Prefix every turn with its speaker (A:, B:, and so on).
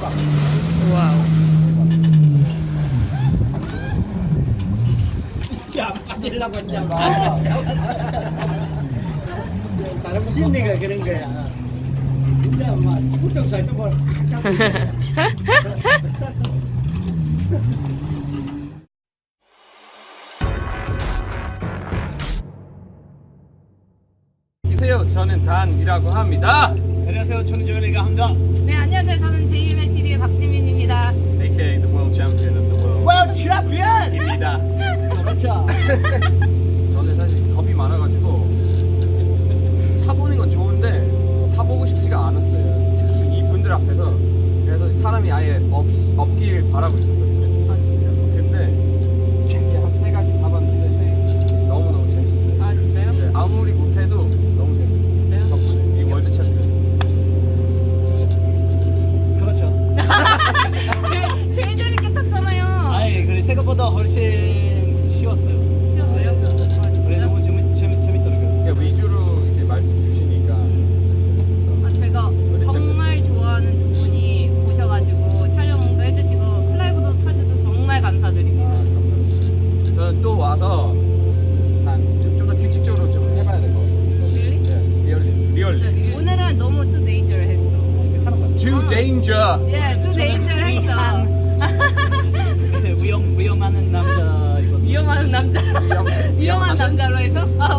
A: 와우.
B: 야, 빠지려고 이제 사람 심리가 그런 거야. 진짜 막 부쩍 살짝 뭐.
C: 안녕하세요. 저는 단이라고 합니다.
B: 안녕하세요. 저는 조현이가 합니다.
A: 네, 안녕하세요. 저는 JMLTV의 박지민입니다.
C: AKA the world champion of the world.
B: World Champion!
C: 입니다.
B: 그렇죠.
C: 저는 사실 겁이 많아가지고 타보는 건 좋은데 타보고 싶지가 않았어요. 특히 이분들 앞에서. 그래서 사람이 아예 없길 바라고 있었거든요.
A: 아, 진짜요?
C: 근데 이게 한 3가지 타봤는데 너무너무 재밌었어요.
A: 아, 진짜요?
C: 네, 아무리 못해도 너무 재밌었어요.
A: 진짜요?
C: 덕분에 이 월드 챔피언.
B: 그렇죠.
A: 제일 재밌게 탔잖아요.
B: 아니, 그래 생각보다 훨씬 쉬웠어요.
A: 쉬웠어요?
C: 진짜.
A: 아,
B: 그래
A: 진짜?
B: 너무 재밌더라고요.
C: 그러니까 위주로 이렇게 말씀 주시니까
A: 아, 제가 정말 좋아하는 두 분이 오셔가지고 촬영도 해주시고 플라이브도 타주셔서 정말 감사드립니다.
C: 감사합니다. 저는 또 와서 좀 더 규칙적으로 좀 해봐야 될 것 같아요.
A: Really?
C: 네, 리얼리.
A: 진짜 오늘은 너무 too danger 했어.
B: 괜찮은 것
C: Too danger.
A: 예, too danger 했어.
B: 같아요. 위험하는 남자 이거.
A: 위험한 남자. 위험한 남자로 해서? 아,